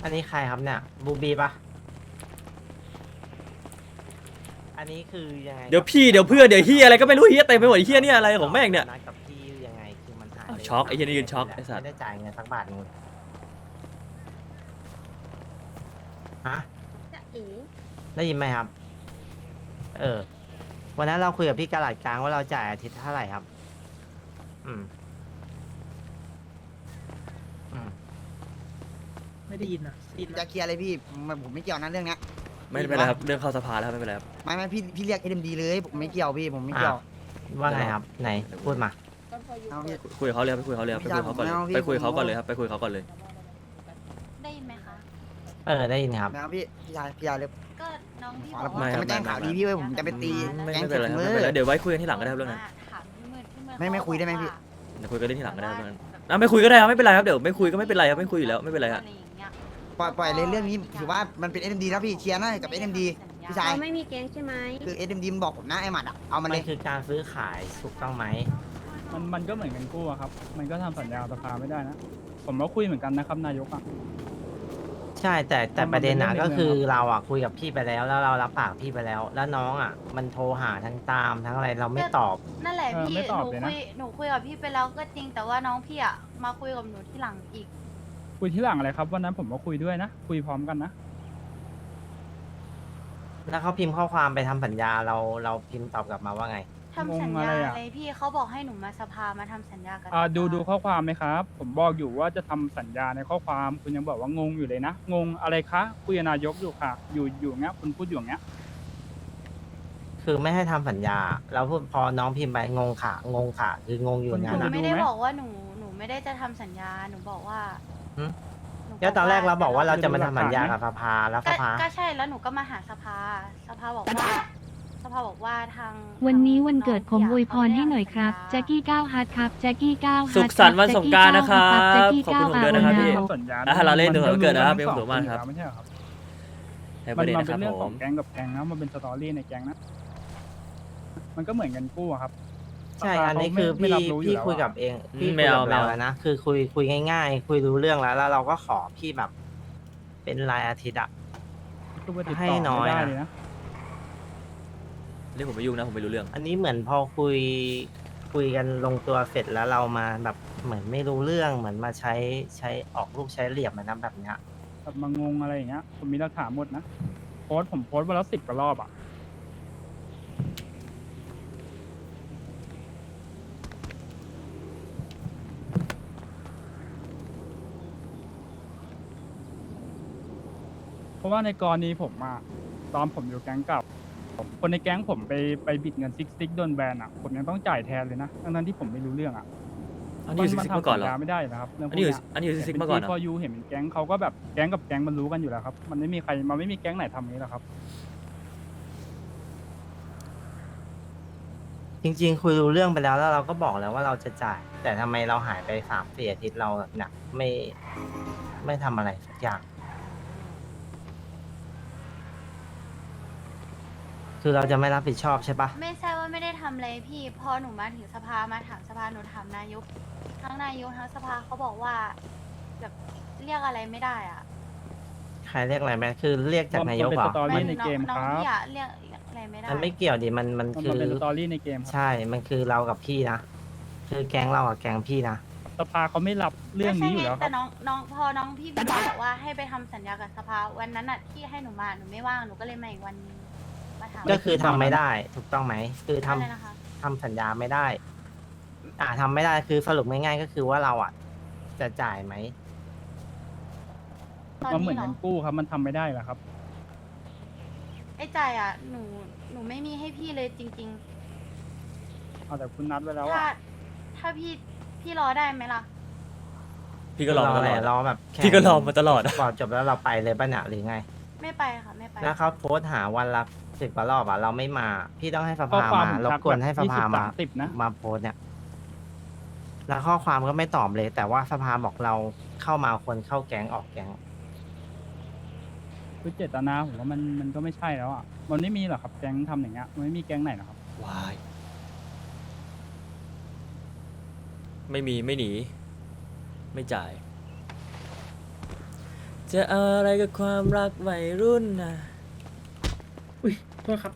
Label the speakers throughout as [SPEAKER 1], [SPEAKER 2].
[SPEAKER 1] อันนี้ใครครับเนี่ยบูบีปะอันนี้คือยังไง
[SPEAKER 2] เดี๋ยวพี่เดี๋ยวเพื่อนเดี๋ยวเฮียอะไรก็ไม่รู้เฮียเต็มไปหมดเฮียเนี่ยอะไรของแม่งเนี่ย
[SPEAKER 1] นัดกับพี่ยังไงคือมันหาย
[SPEAKER 2] อ้าวช็อกไอ้เหี้ยนี่ยืนช็อกไอ้สัตว์
[SPEAKER 1] ไม่ได้จ่ายเงินสักบาทนึงฮะ
[SPEAKER 3] จะเอ๋
[SPEAKER 1] ได้ยินไหมครับ เออ วันนั้นเราคุยกับพี่กะหลัดกลางว่าเราจ่ายอาทิตย์เท่าไหร่ครับ อืม อืม
[SPEAKER 4] ไม่ได้ยินอ่ะได้ยิน
[SPEAKER 5] จะเคลียร์เลยพี่ผมไม่เกี่ยวนะเรื่องเนี้ย
[SPEAKER 2] ไม่เป็นไรครับเรื่องเข้าสภาแล้วไม่เป็นไรครับ
[SPEAKER 5] ไม่พี่เรียก SMD เลยผมไม่เกี่ยวพี่ผมไม่เกี่ยว
[SPEAKER 1] ว่าไงครับ ไหน พูดมา
[SPEAKER 3] ก็พออยู่
[SPEAKER 5] เอาพี่
[SPEAKER 2] คุยกับเขาเลยครับไปคุยกับเขาเลยครับไปคุยกับเขาก่อนเลยไปคุยกับเขาก่อนเลยครับไปคุยกับเขาก่อนเลย
[SPEAKER 6] ได้ยินไหมคะ
[SPEAKER 1] เออ ได้ยินครับ
[SPEAKER 5] ไม่เอาพี่ชายเลย
[SPEAKER 6] ก็น้องพี่
[SPEAKER 5] ข
[SPEAKER 6] บ
[SPEAKER 5] อ
[SPEAKER 6] อก
[SPEAKER 5] ผม
[SPEAKER 6] ว่า
[SPEAKER 5] จะไม่แจ้งข่าวดีพี่เว้ยผมจะไปตี
[SPEAKER 2] ไม่
[SPEAKER 5] แก๊ง
[SPEAKER 2] เป็นไรครับ
[SPEAKER 5] มื
[SPEAKER 2] ไม่
[SPEAKER 5] อ
[SPEAKER 2] เป็นไรเดี๋ยวไว้คุยกันที่หลังก็ได้ครับเรื่องนั้น
[SPEAKER 6] ถามพี่มืดพี่มืด
[SPEAKER 5] ไม่คุยได้ไหมพี่
[SPEAKER 2] เดี๋ยวคุยกันเรื่องที่หลังก็ได้ครับเรื่องนั้นไม่คุยก็ได้ครับไม่เป็นไรครับเดี๋ยวไม่คุยก็ไม่เป็นไรครับไม่คุยอยู่แล้วไม่เป็นไรครับ
[SPEAKER 6] อะไรอย่างเงี้ย
[SPEAKER 5] ปล่อยเลยเรื่องนี้ถือว่ามันเป็น SMD นะพี่เคลียร์นะกับ SMD พี่ชาย
[SPEAKER 3] เราไม่มีแก๊งใช่ไหม
[SPEAKER 5] คือ SMD มันบอกผมนะไอ้หมัดอะเอามัน
[SPEAKER 1] มั
[SPEAKER 5] เล
[SPEAKER 1] น
[SPEAKER 5] ย
[SPEAKER 1] คือการซื้อขายถูกต้องไหม
[SPEAKER 4] มันก็เหมือนกันกู้อะครับ มันก็ทำสัญญาสภาไม่ได้นะ ผมก็คุยเหมือนกันนะครับนายกอ่ะ
[SPEAKER 1] ใช่แต่
[SPEAKER 4] มัน
[SPEAKER 1] ประเด็นอ่ะ
[SPEAKER 4] เป็นเรื่
[SPEAKER 1] ก็
[SPEAKER 4] องใน
[SPEAKER 1] คือ
[SPEAKER 4] เมืองครับ
[SPEAKER 1] เราอ่ะคุยกับพี่ไปแล้วแล้วเรารับปากพี่ไปแล้ว แล้วน้องอ่ะ มันโทรหาทั้งตามทั้งอะไรเราไม่ตอบ
[SPEAKER 6] นั่นแหละพี่
[SPEAKER 4] ไม่
[SPEAKER 6] ห
[SPEAKER 4] ตอบ
[SPEAKER 6] นู
[SPEAKER 4] เลย
[SPEAKER 6] คุ
[SPEAKER 4] นะ
[SPEAKER 6] ยหนูคุยกับพี่ไปแล้วก็จริงแต่ว่าน้องพี่อ่ะมาคุยกับหนูที่หลังอีก
[SPEAKER 4] คุยที่หลังอะไรครับวันนั้นผมก็คุยด้วยนะ คุยพร้อมกันนะ
[SPEAKER 1] แล้วเขาพิมพ์ข้อความไปทำสัญญาเราพิมพ์ตอบกลับมาว่าไง
[SPEAKER 6] ทำสัญ
[SPEAKER 4] งงอะไร
[SPEAKER 6] ญา
[SPEAKER 4] อะ
[SPEAKER 6] อะไรพี่เขาบอกให้หนูมาสภามาทำสัญญากับ
[SPEAKER 4] ดูข้อความไหมครับ ผมบอกอยู่ว่าจะทำสัญญาในข้อความคุณยังบอกว่างงอยู่เลยนะ งงอะไรคะคุยกับนายกอยู่ค่ะ อยู่อย่างเงี้ยคุณพูดอยู่อย่างเงี้ย
[SPEAKER 1] คือไม่ให้ทำสัญญาแล้วพูดพอน้องพิมพ์ไปงงค่ะ งงค่ะ คืองงอยู่
[SPEAKER 4] คุณ
[SPEAKER 1] งั้น
[SPEAKER 6] หนู
[SPEAKER 1] อะ
[SPEAKER 6] ไม่ได้
[SPEAKER 4] ดูไหม
[SPEAKER 6] บอกว่าหนูไม่ได้จะทำสัญญาหนูบอกว่า
[SPEAKER 1] หึ
[SPEAKER 6] หนู
[SPEAKER 1] แล้วตอนแรกเราบอกว่าเราจะมา
[SPEAKER 4] ดูหลัก
[SPEAKER 1] ทำสัญญา
[SPEAKER 4] ฐานไหม
[SPEAKER 1] กับสภาแล้วสภา
[SPEAKER 6] ก็ใช่แล้วหนูก็มาหาสภาบอกว่าสภาบอกว่าทาง
[SPEAKER 7] วันนี้วันเกิดผม
[SPEAKER 6] น้ง
[SPEAKER 7] อวยพรให้หน่อยครับ แจ็คกี้9ฮาร์ดครับ แจ็คกี้9ฮาร์ด
[SPEAKER 2] สุขสันต์วันสงกรานต์นะครับ
[SPEAKER 7] แจ็คกี้
[SPEAKER 2] ขอบคุณ
[SPEAKER 7] 9
[SPEAKER 2] ผมด้วยนะครับพี่
[SPEAKER 4] ทำสัญญา
[SPEAKER 2] เราเล่นถึงวันเกิดนะครับ
[SPEAKER 4] มั
[SPEAKER 2] เป็นความสุขมากครับ
[SPEAKER 4] ไม่ใช่เหรอครับ
[SPEAKER 2] ให้ป
[SPEAKER 4] มั
[SPEAKER 2] ระเด็น
[SPEAKER 4] มัน
[SPEAKER 2] นะค
[SPEAKER 4] เป็
[SPEAKER 2] รับ
[SPEAKER 4] นเรื่อง
[SPEAKER 2] ผ
[SPEAKER 4] ของ
[SPEAKER 2] ม
[SPEAKER 4] แก๊งกับแก๊งนะมันเป็นสตอรี่ในแก๊งนะ มันก็เหมือนกันกู้อะครับ
[SPEAKER 1] ใช่
[SPEAKER 4] สภา
[SPEAKER 1] อันนี้
[SPEAKER 4] เขา
[SPEAKER 1] คือ
[SPEAKER 4] ไม่
[SPEAKER 1] พี่
[SPEAKER 4] รับรู้อยู่
[SPEAKER 1] พี่
[SPEAKER 4] แล้ว
[SPEAKER 1] คุยกับ
[SPEAKER 4] อะ
[SPEAKER 1] เอง
[SPEAKER 2] อืม
[SPEAKER 1] พี่
[SPEAKER 2] ไม่
[SPEAKER 1] คุย
[SPEAKER 2] เอา
[SPEAKER 1] กับ
[SPEAKER 2] ไม่
[SPEAKER 1] เรา
[SPEAKER 2] เอา
[SPEAKER 1] แล้วนะคือคุยง่ายๆ คุยรู้เรื่องแล้วเราก็ขอพี่แบบ เป็นรายอาทิตย์อะ
[SPEAKER 4] คือว่าติด
[SPEAKER 1] ให้
[SPEAKER 4] ต่อ
[SPEAKER 1] น้อย
[SPEAKER 4] ไม่ได้
[SPEAKER 1] นะ
[SPEAKER 4] เลยนะ
[SPEAKER 2] เรื่องผมไม่ยุ่งนะผมไม่รู้เรื่อง
[SPEAKER 1] อันนี้เหมือนพอคุยกันลงตัวเสร็จแล้วเรามาแบบเหมือนไม่รู้เรื่องเหมือนมาใช้ออกลูกใช้เหลี่ยมนะแบบเนี้ย
[SPEAKER 4] แบบมางงอะไรอย่างเงี้ย ผมมีหลักฐานหมดนะ ผมโพสต์วันละ10 กว่ารอบอ่ะ เพราะว่าในกรณีผมอะตอนผมอยู่แก๊งเกับ คนในแก๊งผมไปบิดเงินซิกโดนแบนอ่ะ ผมยังต้องจ่ายแทนเลยนะ ทั้งที่ผมไม่รู้เรื่องอ่ะ
[SPEAKER 2] อันนี้อยู่ซิกๆมาก่อนเหรอ
[SPEAKER 4] ทำสัญญาไม่ได้นะครับเรื่องพ
[SPEAKER 2] อั
[SPEAKER 4] วน ก
[SPEAKER 2] นี้อยู่
[SPEAKER 4] เนี้ย
[SPEAKER 2] อันนี้อยู่ซิกๆมาก่อนเหร
[SPEAKER 4] พอ
[SPEAKER 2] อ
[SPEAKER 4] ยูเห็นเป็นแก๊งเขาก็แบบแก๊งกับแก๊งมันรู้กันอยู่แล้วครับ มันไม่มีใครมันไม่มีแก๊งไหนทำอย่างนี้หรอกครับ
[SPEAKER 1] จริงๆ คุยรู้เรื่องไปแล้วเราก็บอกแล้วว่าเราจะจ่าย แต่ทำไมเราหายไป3-4 อาทิตย์เราเนี่ยไม่ทำอะไรสักอย่าง คือเราจะไม่รับผิดชอบใช่ปะ
[SPEAKER 6] ไม่ใช่ว่าไม่ได้ทำอะไรพี่พอหนูมาถึงสภามาถามสภาหนูถามนายกทั้งนายกทั้งสภาเขาบอกว่าแบบเรียกอะไรไม่ได้อ่ะ
[SPEAKER 1] ใครเรียกอะไรไหมคือเรียกจากนายกเหรอ
[SPEAKER 4] มันเป็นสตอรี่
[SPEAKER 1] มัน
[SPEAKER 4] ในเกม
[SPEAKER 6] น้อง
[SPEAKER 4] ครับ
[SPEAKER 6] พี่อะเรียกอะไรไม่ได้
[SPEAKER 1] มันไม่เกี่ยวดิมัน
[SPEAKER 4] มัน
[SPEAKER 1] คือ
[SPEAKER 4] เป็นสตอรี่ในเกมครับ
[SPEAKER 1] ใช่ มันคือเรากับพี่นะ คือแก๊งเรากับแก๊งพี่นะ
[SPEAKER 4] สภาเขาไม่รับเรื่องนี้อยู่แล้วค
[SPEAKER 6] แต่
[SPEAKER 4] รับ
[SPEAKER 6] น้องพอน้องพี่บอกว่าให้ไปทำสัญญากับสภาวันนั้นอ่ะที่ให้หนูมาหนูไม่ว่างหนูก็เลยมาอีกวันนึงมาถาม
[SPEAKER 1] ก็คือทำไม่ได้ ถูกต้องไหม คือทำ
[SPEAKER 6] อะไรนะคะ
[SPEAKER 1] ทำสัญญาไม่ได้ ทำไม่ได้ คือสรุปง่ายๆก็คือว่าเราอ่ะ จะจ่ายไหม
[SPEAKER 6] ตอน
[SPEAKER 4] มันเหมื
[SPEAKER 6] นี้
[SPEAKER 4] อน
[SPEAKER 6] เหรอ
[SPEAKER 4] เงินกู้ครับมันทำไม่ได้เหรอครับ
[SPEAKER 6] ไอ้ใจายอ่ะหนูไม่มีให้พี่เลยจริง
[SPEAKER 4] เอาแต่คุณนัดไว้
[SPEAKER 6] ๆ
[SPEAKER 4] แล้ว
[SPEAKER 6] ถ้า
[SPEAKER 4] อ่ะ
[SPEAKER 6] ถ้าพี่รอได้ไหมล่ะ
[SPEAKER 2] พี่ก็รอมาตลอด
[SPEAKER 1] รอแบบแข่ง
[SPEAKER 2] พี่ก็รอมาตลอด
[SPEAKER 1] ก่อนจบแล้วเราไปเลยป่ะเนี่ยหรือไง
[SPEAKER 6] ไม่ไปค่ะไม่ไป
[SPEAKER 1] แล้วเขาโพสต์หาวันละ10 กว่ารอบอ่ะเราไม่มา พี่ต้องให้ส
[SPEAKER 4] ข้อ
[SPEAKER 1] ภา
[SPEAKER 4] ความ
[SPEAKER 1] มา
[SPEAKER 4] ผม
[SPEAKER 1] รบ
[SPEAKER 4] ทัก
[SPEAKER 1] กวนให้สภามา
[SPEAKER 4] 20 30นะ
[SPEAKER 1] มาโพสต์เนี่ย แล้วข้อความก็ไม่ตอบเลย แต่ว่าสภาบอกเราเข้ามาคนเข้าแก๊งออกแก๊ง
[SPEAKER 4] คือเจตนาผมว่ามันก็ไม่ใช่แล้วอ่ะ มันไม่มีหรอกครับแก๊งทำอย่างเงี้ย มันไม่มีแก๊งไหนหรอกครับ
[SPEAKER 2] วาย ไม่มีไม่หนี ไม่จ่ายจะเอาอะไรกับความรักวัยรุ่นนะ
[SPEAKER 3] อุ้ยโทษครับ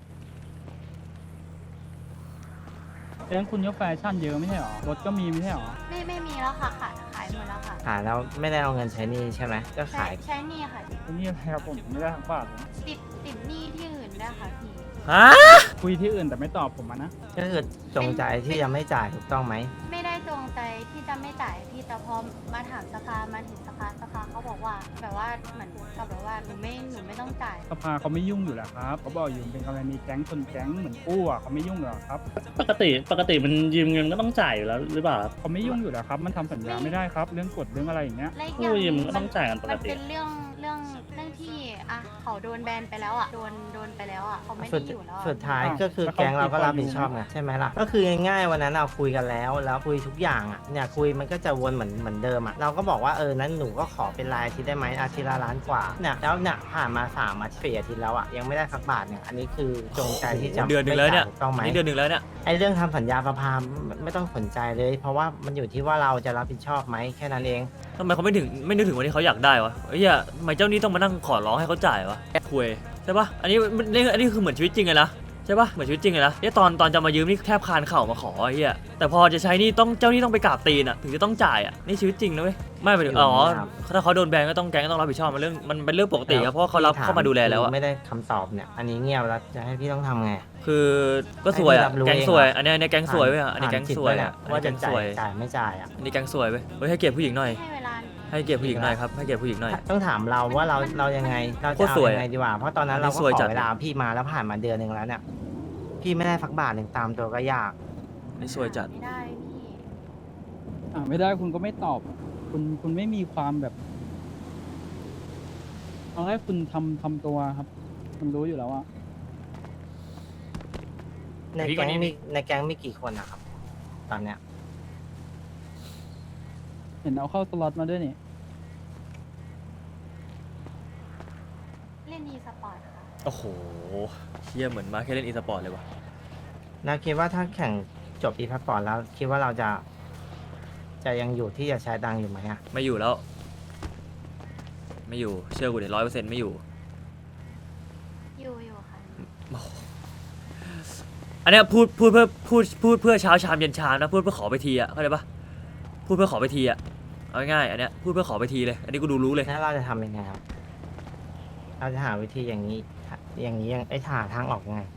[SPEAKER 4] แก๊งคุณก็แฟชั่นเยอะไม่ใช่หรอรถก็มีไม่ใช่หรอ
[SPEAKER 6] ไม่มีแล้วค่ะขายหมดแล้วค่ะ
[SPEAKER 1] ขายแล้วไม่ได้เอาเงินใช้หนี้ใช่ไหมก็ขาย
[SPEAKER 6] ใช้หนี่ค่ะ
[SPEAKER 4] อันนี้อะไรครับผมไม่ได้ทั้งบาทเลย
[SPEAKER 6] ติดหนี้ที่อื่นได้วยค่ะพี่
[SPEAKER 2] ฮะ
[SPEAKER 4] คุยที่อื่นแต่ไม่ตอบผมอะนะ
[SPEAKER 1] ก็คือจงใจที่จะไม่จ่ายถูกต้องไหม
[SPEAKER 6] ไม่ได้จงใจที่จะไม่จ่ายพี่แต่พอมาถามสภามาถึงสภาเขาบอกว่าแบบว่าเหมือนกับแบบว่าหนูไม่ต้องจ่าย
[SPEAKER 4] สภาเขาไม่ยุ่งอยู่แล้วครับเขาบอกอยู่เป็นกรณีแก๊งชนแก๊งเหมือนกู้อ่ะเขาไม่ยุ่งหรอกครับ
[SPEAKER 3] ปกติมันยืมเงินก็ต้องจ่ายอยู่แล้วหรือเปล่าครับ
[SPEAKER 4] เขาไม่ยุ่งอยู่แล้วครับ มันทำสัญญาไม่ได้ครับ เรื่องกฎเรื่องอะไรอย่างเงี้ย
[SPEAKER 6] และอีกอ
[SPEAKER 3] กู้
[SPEAKER 6] ย่าง
[SPEAKER 3] ยืมก็ต้องจ่ายกันป
[SPEAKER 6] มั
[SPEAKER 3] ก
[SPEAKER 6] น
[SPEAKER 3] ติ
[SPEAKER 6] เป็นเรื่องที่อ่ะเขาโดนแบนไปแล้วอ่ะโดนไปแล้วอ่ะเขาไม่
[SPEAKER 1] สุ
[SPEAKER 6] ได้
[SPEAKER 1] ด
[SPEAKER 6] อยู่แล้วอะ
[SPEAKER 1] สุดท้าย
[SPEAKER 4] อ้าว
[SPEAKER 1] ก็คือ
[SPEAKER 4] แล้วเขา
[SPEAKER 1] แก๊งเราก็
[SPEAKER 4] กี่คน
[SPEAKER 1] รับผิดชอบไงใช่ไหมล่ะก็คือง่ายๆวันนั้นเราคุยกันแล้วคุยทุกอย่างอ่ะเนี่ยคุยมันก็จะวนเหมือนเดิมอ่ะเราก็บอกว่านั้นหนูก็ขอเป็นรายอาทิตย์ได้ไหมอาทิตย์ละล้านกว่าเนี่ยแล้วเนี่ยผ่านมา3 อาทิตย์4 อาทิตย์แล้วอ่ะยังไม่ได้สักบาทเนี่ยอันนี้คือจงใจที่จะ
[SPEAKER 2] เดือนหนึ่งแล้วเนี่ย
[SPEAKER 1] ไม่จ่าถูกต้องไหม
[SPEAKER 2] นี่เดือนหนึ่งแล้วเนี่ย
[SPEAKER 1] ไอ้เรื่องทำสัญญาประพามไม่ต้องสนใจเลย เพราะว่ามันอยู่ที่ว่าเราจะรับผิดชอบไหมแค่นั้นเอง
[SPEAKER 2] ทำไมเขาไม่นึกถึงวันที่เขาอยากได้วะเฮ้ยทำไมเจ้าหนี้ต้องมานั่งขอร้องให้เขาจ่ายวะคุยใช่ปะอันนี้คือเหมือนชีวิตจริงเลยนะใช่ปะเหมือนชีวิตจริงเลยนะตอนจะมายืมนี่แทบคานเข่ามาขอไอ้เหี้ยแต่พอจะใช้นี่ต้องเจ้าหนี้ต้องไปกราบตีนอ่ะถึงจะต้องจ่ายอ่ะนี่ชีวิตจริงนะเว้ยไม่ไปถึงถ้าเขาโดนแบนก็ต้องแก๊งก็ต้องรับผิดชอบมันเป็นเรื่องปกติครับเพราะว่าเขารับเข้ามาดูแลแล้วอะ
[SPEAKER 1] ไม่ได้คำตอบเนี่ย อันนี้เงียบแล้วจะให้พี่ต้องทำไง
[SPEAKER 2] คือก็สวยอะ
[SPEAKER 1] ให้พี่รับรู้
[SPEAKER 2] แก๊งสวย
[SPEAKER 1] เองเหรอ
[SPEAKER 2] อันนี้แก๊งสวยเว้ยอันนี้แก๊งสวย
[SPEAKER 1] ผ่าน
[SPEAKER 2] อะ
[SPEAKER 1] จิต
[SPEAKER 2] อัน
[SPEAKER 1] ว่า
[SPEAKER 2] นี้แก๊
[SPEAKER 1] จะ
[SPEAKER 2] งส
[SPEAKER 1] จ่า
[SPEAKER 2] วย ย
[SPEAKER 1] จ่ายไม่จ่ายอ่ะ
[SPEAKER 2] อันนี้แก๊งสวยเว้ยเฮ้ยให้เกียรติผู้หญิงหน่อย
[SPEAKER 6] ให้เวลา
[SPEAKER 2] ให้เกียรติผู้หญิงหน่อยครับให้เกียรติผู้หญิงหน่อย
[SPEAKER 1] ต้องถามเราว่าเรายังไงเรา
[SPEAKER 2] โค
[SPEAKER 1] จะ
[SPEAKER 2] ตร
[SPEAKER 1] เอา
[SPEAKER 2] สวย
[SPEAKER 1] ยังไงดีกว่าเพราะตอนนั้น
[SPEAKER 2] อันนี้
[SPEAKER 1] เราก็
[SPEAKER 2] สวย
[SPEAKER 1] ข
[SPEAKER 2] จั
[SPEAKER 1] อ
[SPEAKER 2] ด
[SPEAKER 1] เวลาพี่มาแล้วผ่านมาเดือนหนึ่งแล้วเนี่ยพี่ไม่ได้สักบาทหนึ่งตามตัวก็ยาก
[SPEAKER 2] นี่สวยจัด
[SPEAKER 6] ไม่ได้พี่
[SPEAKER 4] ไม่ได้คุณก็ไม่ตอบ คุณไม่มีความแบบเอาให้คุณทำตัวครับคุณรู้อยู่แล้วอะ
[SPEAKER 1] ในแก๊งมีกี่คนนะครับตอนเนี้ย
[SPEAKER 4] เห็นเอาเข้าสล็อตมาด้วยนี่
[SPEAKER 6] เล่น e-sport ค่ะ
[SPEAKER 2] โอ้โหเชี่ยเหมือนมาแค่เล่นอีสปอร์ตเลยว่ะ
[SPEAKER 1] นาคิดว่าถ้าแข่งจบอีพัสปอร์ตแล้วคิดว่าเราจะยังอยู่ที่จะใช้ตังค์อยู่ไหมอ่ะ
[SPEAKER 2] ไม่อยู่แล้ว ไม่อยู่เชื่อกูเดี๋ยว100%ไม่อยู่
[SPEAKER 6] อยู่ค่ะ
[SPEAKER 2] อันเนี้ยพูดเพื่อเช้าชามเย็นชามนะพูดเพื่อขอไปทีอะเข้าใจปะพูดเพื่อขอไปทีอะเอาง่ายๆอันเนี้ยพูดเพื่อขอไปทีเลย อันนี้กูดูรู้เลย
[SPEAKER 1] แล้วเราจะทำยังไงครับ เราจะหาวิธีอย่างนี้ยังหาทางออกยังไง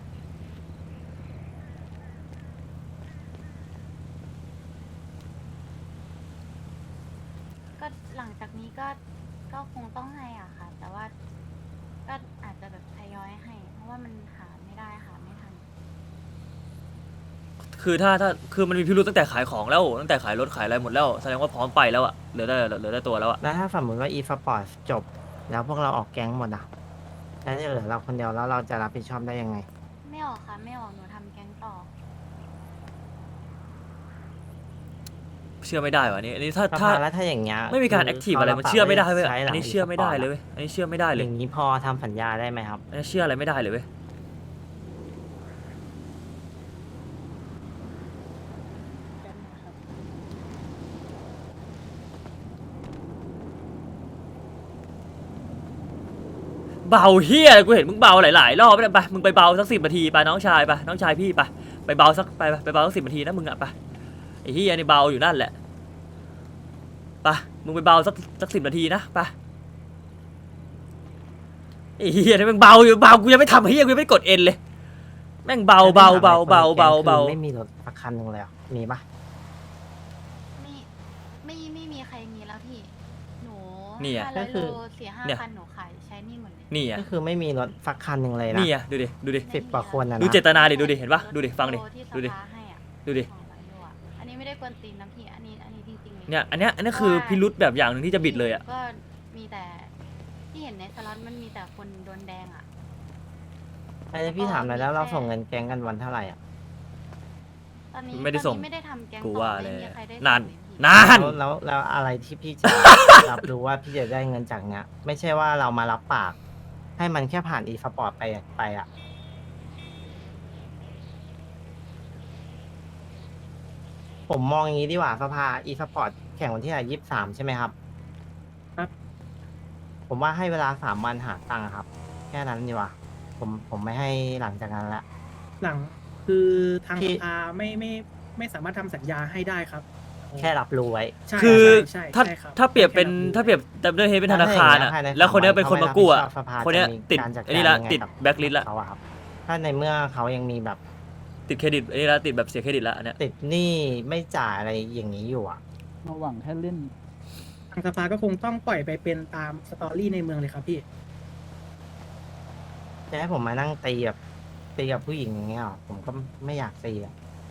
[SPEAKER 6] ก็หลังจากนี้ก็คงต้องให้อ่ะค่ะ แต่ว่าก็อาจจะแบบทยอยให้ เพราะว่ามันหาไม่ได้หาไม่ทัน
[SPEAKER 2] คือถ้าคือมันมีพิรุธตั้งแต่ขายของแล้วตั้งแต่ขายรถขายอะไรหมดแล้วแสดงว่าพร้อมไปแล้วอะเหลือได้ตัวแล้วอะ
[SPEAKER 1] แล้วถ้าสมมติว่าอีพัสปอร์ตจบ แล้วพวกเราออกแก๊งหมดอ่ะแล้วจะเหลือเราคนเดียวแล้วเราจะรับผิดชอบได้ยังไง
[SPEAKER 6] ไม่ออกค่ะ ไม่ออกหนูทำแก๊งต่อ
[SPEAKER 2] เชื่อไม่ได้ว่ะอันนี้ถ้า
[SPEAKER 1] สภาแล้วถ้าอย่างเงี้ย
[SPEAKER 2] ไม่มีการ
[SPEAKER 1] คื
[SPEAKER 2] แอคทีฟอะไรมันเชื่อไม่ได้เว้ย
[SPEAKER 1] ใช้ห
[SPEAKER 2] อั
[SPEAKER 1] ลั
[SPEAKER 2] น
[SPEAKER 1] ง
[SPEAKER 2] นี้เชื่อไม่ได้
[SPEAKER 1] e-sport
[SPEAKER 2] เลยเว้ยอันนี้เชื่อไม่ได้เลย
[SPEAKER 1] อย่างนี้พอทำสัญญาได้ไหมครับ
[SPEAKER 2] อันนี้เชื่ออะไรไม่ได้เลยเว้ยเบาเฮียกูเห็นมึงเบาหลายๆรอบแล้วไปมึงไปเบาสัก10 นาทีไปน้องชายน้องชายพี่ไปเบาสักไปเบาสัก10 นาทีนะมึงอะไปไอ้เฮียนี่เบาอยู่นั่นแหละไปมึงไปเบาสัก10 นาทีนะไปไอ้เฮียนี่มึงเบาอยู่เบากูยังไม่ทำเฮียกูยังไม่กดเอ็นเลยแม่งเบา
[SPEAKER 1] คือไม่มีรถสักคันหนึ่งเลยเหรอมีปะ
[SPEAKER 6] ไม่มีใครมีแล้วพี่ หนู
[SPEAKER 2] นี่อะ
[SPEAKER 6] 500 โล4-5 คันหนูขายใช้หนี่หมดเลย
[SPEAKER 2] นี่อ่ะ
[SPEAKER 1] ก็คือไม่มีรถสักคันหนึ่งเลยนะ
[SPEAKER 2] นี่อ่ะดูดิ
[SPEAKER 1] 10 กว่าคนนะ
[SPEAKER 2] ดู
[SPEAKER 1] นะ
[SPEAKER 2] เจตนาดิดูดิเห็นปะดูดิฟังดิ
[SPEAKER 6] โลที่
[SPEAKER 2] ดูดิ
[SPEAKER 6] สภาให้อะ
[SPEAKER 2] ดูดิ
[SPEAKER 6] 200 โลอะอันนี้ไม่ได้กวนตีนนะพี่ อันนี้จริงๆเลย
[SPEAKER 2] เนี่ยอันเนี้ยคือพิรุธแบบอย่างหนึ่งที่จะบิดเลยอ่ะ
[SPEAKER 6] ก็มีแต่ที่เห็นในสล็อตมันมีแต่คนโดนแดงอ่ะ
[SPEAKER 1] ไอ้พี่ถามหน่อยแล้วเราส่งเงินแก๊งกันวันเท่าไหร่อ่ะ
[SPEAKER 6] ตอนนี้
[SPEAKER 2] ไม่ได้ส่ง
[SPEAKER 6] ตอนนี้ไม่ได้ทำแก๊ง
[SPEAKER 2] กู
[SPEAKER 6] ต่อ
[SPEAKER 2] ว่า
[SPEAKER 6] ไม่
[SPEAKER 2] เลย
[SPEAKER 6] มีใครได้
[SPEAKER 2] นาน
[SPEAKER 6] ส่งเลยพี่
[SPEAKER 2] นาน
[SPEAKER 1] แล้วอะไรที่พี่จะ รับรู้ว่าพี่จะได้เงินจากเนี้ย ไม่ใช่ว่าเรามารับปาก ให้มันแค่ผ่านอีสปอร์ตไปอ่ะ ผมมองอย่างนี้ดีกว่าสภาอีสปอร์ตแข่งวันที่23ใช่ไหมครับ
[SPEAKER 3] ครับ
[SPEAKER 1] ผมว่าให้เวลา3 วันหาตังค์ครับ แค่นั้นดีกว่าผมไม่ให้หลังจากนั้นละ
[SPEAKER 8] หลังคือทาง
[SPEAKER 1] ที่
[SPEAKER 8] สภาไม่สามารถทำสัญญาให้ได้ครับ
[SPEAKER 1] แค่รับรู้ไว้
[SPEAKER 8] ใช่
[SPEAKER 2] คือ
[SPEAKER 8] ใช่
[SPEAKER 2] ถ้า
[SPEAKER 8] ใช่ครับ
[SPEAKER 2] ถ้าเปรียบเป็น
[SPEAKER 8] แค่
[SPEAKER 2] ถ้าเปรียบดับเบิลเฮดเป็นธนาคารอ่ะ
[SPEAKER 1] ถ้าอย่างเงี้ย
[SPEAKER 2] แล้วคนเนี้ยเป็นคนมากู้อ่ะ
[SPEAKER 1] สภา
[SPEAKER 2] คนเนี้ย
[SPEAKER 1] จะมี
[SPEAKER 2] ติด
[SPEAKER 1] การจัดการ
[SPEAKER 2] อันนี้ละ
[SPEAKER 1] ยังไง
[SPEAKER 2] ติด
[SPEAKER 1] กับ
[SPEAKER 2] แบ็คลิสต์ละ
[SPEAKER 1] เขาอะครับ ถ้าในเมื่อเขายังมีแบบ
[SPEAKER 2] ติดเครดิตอันนี้ละติดแบบเสียเครดิตละอันเนี้ย
[SPEAKER 1] ติดหนี้ไม่จ่ายอะไรอย่างนี้อยู่อะ
[SPEAKER 4] มาหวังแค่เล่น
[SPEAKER 8] ทางสภาก็คงต้องปล่อยไปเป็นตามสตอรี่ในเมืองเลยครับพี่
[SPEAKER 1] จะให้ผมมานั่งตีกับผู้หญิงอย่างเงี้ยหรอผมก็ไม่อยากตีอะ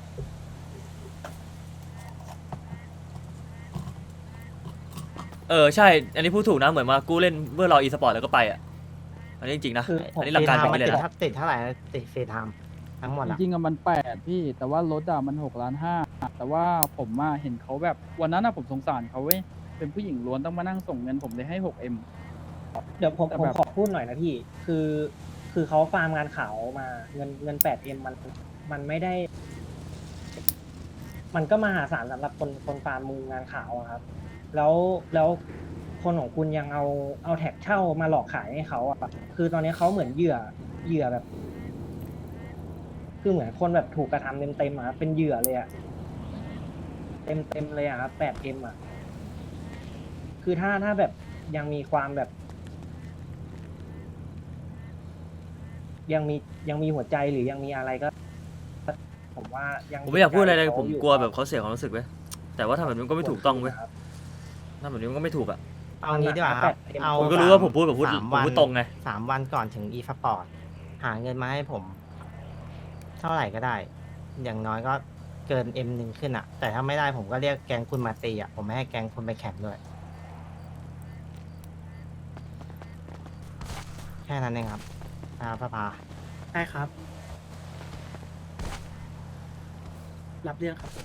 [SPEAKER 2] ใช่ อันนี้พูดถูกนะเหมือนมากู้เล่นเพื่อรออีสปอร์ตแล้วก็ไปอ่ะอันนี้จริงๆนะ
[SPEAKER 1] คือ
[SPEAKER 2] อันนี้หลักการเป็นอย่างนี้เลยนะ
[SPEAKER 1] ถ้าติดเท่าไหร่นะติดฟรีไทม์ทั้งหมด
[SPEAKER 4] จ
[SPEAKER 1] อะ
[SPEAKER 4] ริงๆอะมัน8พี่ แต่ว่ารถอะมัน6.5 แต่ว่าผมอะเห็นเขาแบบวันนั้นอะผมสงสารเขาเว้ยเป็นผู้หญิงล้วนต้องมานั่งส่งเงินผมเลยให้ 6M
[SPEAKER 9] เดี๋ยวผม
[SPEAKER 4] แต่
[SPEAKER 9] ผม
[SPEAKER 4] แบบ
[SPEAKER 9] ขอพูดหน่อยนะพี่ คือเขาฟาร์มงานขาวมาเงิน 8M มันไม่ได้ มันก็มหาศาลสำหรับคนฟาร์มมืองานขาวอะครับ แล้วคนของคุณยังเอาแท็กเช่ามาหลอกขายให้เขาอะคือตอนนี้เขาเหมือนเหยื่อแบบ คือเหมือนคนแบบถูกกระทำเต็มๆอะครับเป็นเหยื่อเลยอะเต็มเลยอะครับ 8M อะคือถ้าแบบยังมีความแบบ ยังมีหัวใจหรือยังมีอะไรก็ ผมว่ายัง
[SPEAKER 2] ผมไม่อยากพูดอะไรเลย
[SPEAKER 9] ใจ
[SPEAKER 2] ผม
[SPEAKER 9] อยู่
[SPEAKER 2] กลัวแบบเขาเสียความรู้สึกเว้ยแต่ว่าทำแบบนี้มันก็ไม่ถูกต้องเว้ย
[SPEAKER 9] ครับ
[SPEAKER 2] ทำแบบนี้มันก็ไม่ถูกอ่ะ
[SPEAKER 1] เอางี้ดีกว่าครับ เอา
[SPEAKER 2] คุณก็รู้ว่าผมพูดแบบพูด
[SPEAKER 1] 3
[SPEAKER 2] ผมพูดตรงไง
[SPEAKER 1] 3 วันก่อนถึงอีสปอร์ตหาเงินมาให้ผม เท่าไหร่ก็ได้ อย่างน้อยก็เกิน M1 ขึ้นอะแต่ถ้าไม่ได้ผมก็เรียกแกงคุณมาตีอะผมไม่ให้แกงคุณไปแข่งด้วย แค่นั้นเองครับสภา
[SPEAKER 8] ได้ครับ รับเรื่องครับ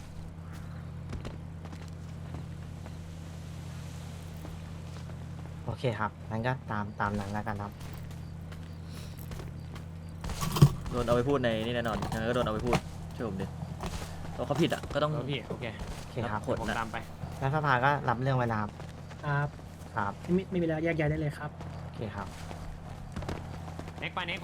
[SPEAKER 1] โอเคครับงั้นก็ตามนั้นแล้วกันครับ
[SPEAKER 2] โดนเอาไปพูดในนี่แน่นอนยังไงก็โดนเอาไปพูดเชื่อผมดิเพราะเขาผิดอ่ะก็ต้อง
[SPEAKER 10] พี่โอเค
[SPEAKER 1] โอเคครับ
[SPEAKER 2] ผล
[SPEAKER 10] ผม
[SPEAKER 2] นะ
[SPEAKER 10] ตามไป
[SPEAKER 1] แล้วสภาก็รับเรื่องไว้นะครับ
[SPEAKER 8] ครับ
[SPEAKER 1] ครับ
[SPEAKER 8] ไม่มีแล้วแยกย้ายได้เลยครับ
[SPEAKER 1] โอเคครับ
[SPEAKER 10] เน็กไป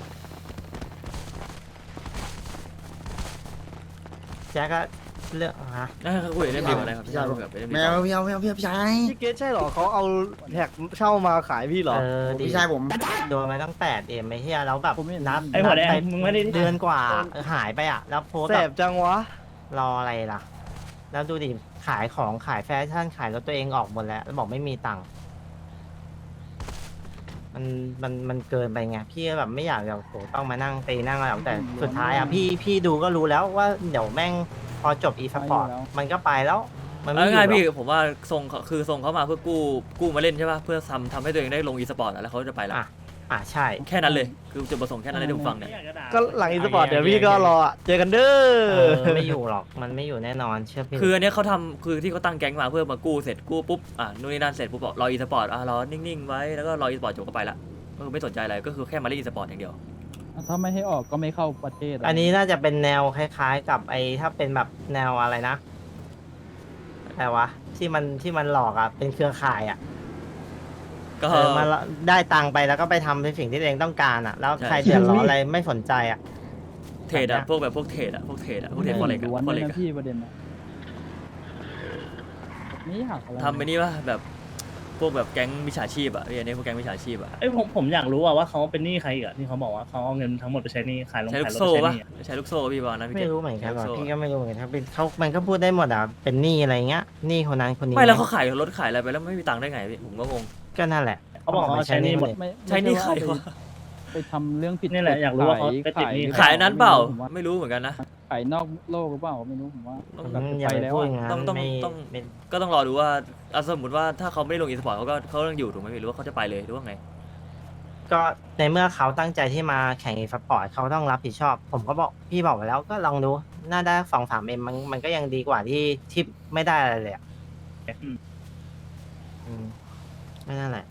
[SPEAKER 1] แจ๊กก็เรื่องฮะ
[SPEAKER 2] นั่นเขาคุยเรื่องเดียวอะไรครับพี่ชายคุยกับเรื่อง
[SPEAKER 5] แม
[SPEAKER 2] เดียว
[SPEAKER 5] วพี่ชาย
[SPEAKER 11] พี่เกตใช่เหรอเขาเอาแท็กเช่ามาขายพี่เหรอ
[SPEAKER 1] ดี
[SPEAKER 5] พี่ชายผม
[SPEAKER 1] โดนไปตั้ง8 M ไอ้เหี้ยแล้วแบบ
[SPEAKER 4] ผมไม่เห็น
[SPEAKER 1] นับ
[SPEAKER 3] ไอ้หัวแดง
[SPEAKER 1] นับป
[SPEAKER 3] มึงไม่ได้
[SPEAKER 1] เดือนกว่าหายไปอะแล้วโพสต์
[SPEAKER 11] แส
[SPEAKER 1] แบบ
[SPEAKER 11] จังวะ
[SPEAKER 1] รออะไรล่ะ แล้วดูดิขายของขายแฟชั่นขายรถตัวเองออกหมดแล้วแล้วบอกไม่มีตังค์มันเกินไปไงพี่ก็แบบไม่อยากแบบโหต้องมานั่งตีนั่งอะไรหรอกแต่สุดท้ายอะพี่ดูก็รู้แล้วว่าเดี๋ยวแม่งพอจบอีสปอร์ตมันก็ไปแล้ว มันไม่
[SPEAKER 2] เอา
[SPEAKER 1] อยู่
[SPEAKER 2] ง่าย
[SPEAKER 1] หร
[SPEAKER 2] ๆ
[SPEAKER 1] อก
[SPEAKER 2] พี่ผมว่าทรงเขาคือทรงเขามาเพื่อกู้มาเล่นใช่ป่ะเพื่อทำให้ตัวเองได้ลงอีสปอร์ตแล้วเขาจะไปแล้ว
[SPEAKER 1] ใช่
[SPEAKER 2] แค่นั้นเลยคือจุดประสงค์แค่นั้นเลยที่ผมฟังเนี่ย
[SPEAKER 11] ก็หลังอีสปอร์ตเดี๋ยวพี่ก็รออะเจอกันเด้อ
[SPEAKER 1] ไม่อยู่หรอกมันไม่อยู่แน่นอนเชื่อพี่
[SPEAKER 2] คืออันเนี้ยเขาทำคือที่เขาตั้งแก๊งมาเพื่อมากู้เสร็จกู้ปุ๊บนู่นนี่นั่นเสร็จปุ๊บบอกรออีสปอร์ตรอนิ่งๆไว้แล้วก็รออีสปอร์ตจบก็ไปละก็คือไม่สนใจอะไรก็คือแค่มาเล่นอีสปอร์ตอย่างเดียว
[SPEAKER 4] ถ้าไม่ให้ออกก็ไม่เข้าประเทศะ
[SPEAKER 1] อันนี้น่าจะเป็นแนวคล้ายๆ กับไอ้ถ้าเป็นแบบแนวอะไรนะอะไรวะที่มันหลอกอะเป็นเครือข่ายอะ
[SPEAKER 2] ก็
[SPEAKER 1] มาได้ตังค์ไปแล้วก็ไปทำในสิ่งที่ตัวเองต้องการอะแล้ว
[SPEAKER 2] ใช่
[SPEAKER 1] ใครเดือดร้อนอะไรไม่สนใจอะ
[SPEAKER 2] เทรดอะพวกแบบพวกเทรดอะพวกเทรดฟอเร็ก
[SPEAKER 4] ล้วน
[SPEAKER 2] ฟอ
[SPEAKER 4] เล
[SPEAKER 2] เร็
[SPEAKER 4] ย
[SPEAKER 2] ก
[SPEAKER 4] นะพี่ประเด็นนะนี่หักอะไร
[SPEAKER 2] ทำไปนี่ป่ะแบบพวกแบบแก๊งมิจฉาชีพอะพี่อันนี้พวกแก๊งมิจฉาชีพอะ
[SPEAKER 3] เอ้ยผมอยากรู้ว่าเขาเป็นหนี้ใครอีกอะที่เขาบอกว่าเขาเอาเงินทั้งหมดไปใช้หนี้ขาย
[SPEAKER 2] ใช้ลู
[SPEAKER 3] ขาย
[SPEAKER 2] ก
[SPEAKER 3] รถ
[SPEAKER 2] โซ่
[SPEAKER 3] ไปใช้ห
[SPEAKER 2] ป่ะ
[SPEAKER 3] นี้อะ
[SPEAKER 2] ใช้ลูกโซ่พี่บอกนะพี่
[SPEAKER 1] ไม่
[SPEAKER 2] เกศ
[SPEAKER 1] รู้เหมือนกัน
[SPEAKER 2] ใช้
[SPEAKER 1] ว่ะ
[SPEAKER 2] ลูกโซ่
[SPEAKER 1] พี่ก็ไม่รู้เหมือนกันถ้าเป็นเขามันก็พูดได้หมดอะเป็นหนี้อะไรเงี้ยหนี้คนนั้นคนนี้
[SPEAKER 2] ไม่แล้วเขาขายรถขายอะไรไปแล้วไม่มีตังค์ได้ไงพี่ผมก็งง
[SPEAKER 1] ก็นั่นแหละ
[SPEAKER 3] เขาบอกเขาใช้หนี้หมด
[SPEAKER 4] ไม่
[SPEAKER 2] ใช้หนี้ใคร
[SPEAKER 4] ไม่
[SPEAKER 2] วะ
[SPEAKER 4] ไปทำเรื่องผิด
[SPEAKER 3] นี่แหละอยากรู้ว่าเขาไปติดหนี้
[SPEAKER 2] ขายนั้นเปล่า
[SPEAKER 4] ผมว่
[SPEAKER 2] ไม่รู้เหมือนกันนะ
[SPEAKER 4] ขายนอกโลกหรือเปล่าไม่รู้ผมว่า
[SPEAKER 2] ต้อง
[SPEAKER 4] แบบ
[SPEAKER 1] อย่า
[SPEAKER 4] ไป
[SPEAKER 1] ไป
[SPEAKER 4] แล้ว
[SPEAKER 1] พูด
[SPEAKER 4] อะ
[SPEAKER 1] อย่างนั้น
[SPEAKER 2] ต้อง
[SPEAKER 1] ไม่
[SPEAKER 2] ต้อง
[SPEAKER 1] ไม่
[SPEAKER 2] ก็ต้องรอดูว่าสมมติว่าถ้าเขาไม่ได้ลงอีสปอร์ตเขาต้องอยู่ถูกไหมพี่หรือว่าเขาจะไปเลยหรือว่าไง
[SPEAKER 1] ก็ในเมื่อเขาตั้งใจที่มาแข่งอีสปอร์ตเขาต้องรับผิดชอบ ผมก็บอกพี่บอกไปแล้วก็ลองดูน่าได้2-3 Mมันก็ยังดีกว่าที่ไม่ได้อะไรเลยอะ
[SPEAKER 3] อืม
[SPEAKER 1] ไม่นั่นแหละ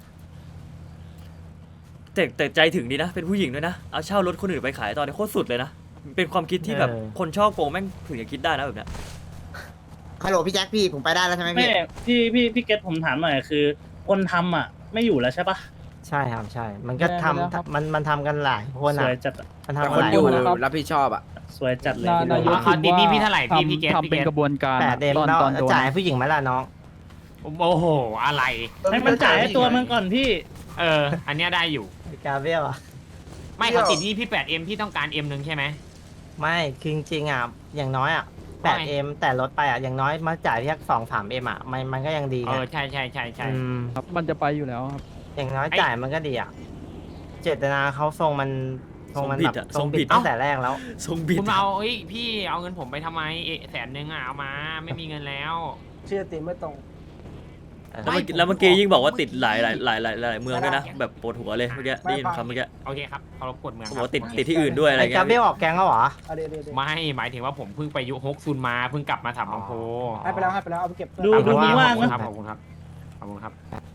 [SPEAKER 2] แต่ใจถึงดีนะ เป็นผู้หญิงด้วยนะ เอาเช่ารถคนอื่นไปขายตอนนี้โคตรสุดเลยนะ เป็นความคิดที่แบบคนชอบโกงแม่งถึงจะคิดได้นะแบบเนี้ย
[SPEAKER 5] ฮัลโหลพี่แจ็คพี่ผมไปได้แล้วใช่ไหม
[SPEAKER 3] ไม่
[SPEAKER 5] พี่
[SPEAKER 3] พี่เกตผมถามหน่อยคือ คนทำอ่ะไม่อยู่แล้วใช่ปะ
[SPEAKER 1] ใช่ครับใช่ มันก็ทำมันทำกันหลายคน
[SPEAKER 3] ส
[SPEAKER 1] อ่ะ
[SPEAKER 3] วยจัดอะ
[SPEAKER 1] มันทำ
[SPEAKER 11] แต่
[SPEAKER 1] กัน
[SPEAKER 11] คน
[SPEAKER 1] หลาย
[SPEAKER 11] อยู่
[SPEAKER 1] คนอะ
[SPEAKER 11] รับผิดชอบอ่ะ
[SPEAKER 3] สวยจัดเลย
[SPEAKER 4] นายก
[SPEAKER 10] เขาติดหนี่พี่เท่าไหร่พี่เกต
[SPEAKER 4] ทำเป็นกระบวนการ
[SPEAKER 1] แปดเอ็ม
[SPEAKER 4] ตอน
[SPEAKER 1] แล้ว
[SPEAKER 4] ตอนโดน
[SPEAKER 1] จ่ายให้ผู้หญิงไหมล่ะน้อง
[SPEAKER 10] โอ้โหอะไร
[SPEAKER 3] ให้มันจ่ายให้ตัวมันก่อนพี่
[SPEAKER 10] อันเนี้ยได้อยู่
[SPEAKER 1] กาเบรียลอ่ะ
[SPEAKER 10] ไม่เขาติดหนี่พี่ 8M พี่ต้องการ M นึงใช่ไหม
[SPEAKER 1] ไม่คือจริงๆอ่ะอย่างน้อยอ่ะ
[SPEAKER 10] ว่าไง
[SPEAKER 1] 8M แต่ลดไปอ่ะอย่างน้อยมาจ่ายแค่2-3M อ่ะมันก็ยังดีไง
[SPEAKER 10] ใช่ใช่ใช่ใช่
[SPEAKER 1] อืม
[SPEAKER 4] ครับมันจะไปอยู่แล้วครับ
[SPEAKER 1] อย่างน้อย
[SPEAKER 10] ไอ้
[SPEAKER 1] จ่ายมันก็ดีอ่ะเจตนาเขาทรงมันทรงมันแบบ
[SPEAKER 2] ทรงผิดอะ
[SPEAKER 1] ตั้งแต่แรกแล้ว
[SPEAKER 2] ทรงบิด
[SPEAKER 10] คุณมาเอาพี่เอาเงินผมไปทำไม100,000อ่ะเอามาไม่มีเงินแล้ว
[SPEAKER 9] ชื่อตีไม่ตรง
[SPEAKER 2] แล้วเมื่อกี้ยิ่งบอกว่าติดหลายเมืองด้วยนะแบบปวดหัวเลยเมื่อกี้ได้ยินคำเมื่อกี้
[SPEAKER 10] โอเคครับเคารพกฎเมือง
[SPEAKER 2] เขา
[SPEAKER 10] ค
[SPEAKER 2] บอก
[SPEAKER 10] รับ
[SPEAKER 2] ว่าติดที่อื่นด้วยอะไร
[SPEAKER 1] ไอ้
[SPEAKER 2] เงี้
[SPEAKER 1] กาย เบรียลออกแกงแล้วเหรอ
[SPEAKER 10] ไม่หมายถึงว่าผมเพิ่งไปยุฮกซุนมาเพิ่งกลับมาถามบางโพ
[SPEAKER 9] ให้ไปแล้วเอาไปเก็บ
[SPEAKER 3] ดู
[SPEAKER 1] ดู
[SPEAKER 3] มึงว่าง
[SPEAKER 10] ขอบคุณ
[SPEAKER 3] นะครับ
[SPEAKER 10] ขอบคุณครับขอบคุณครับ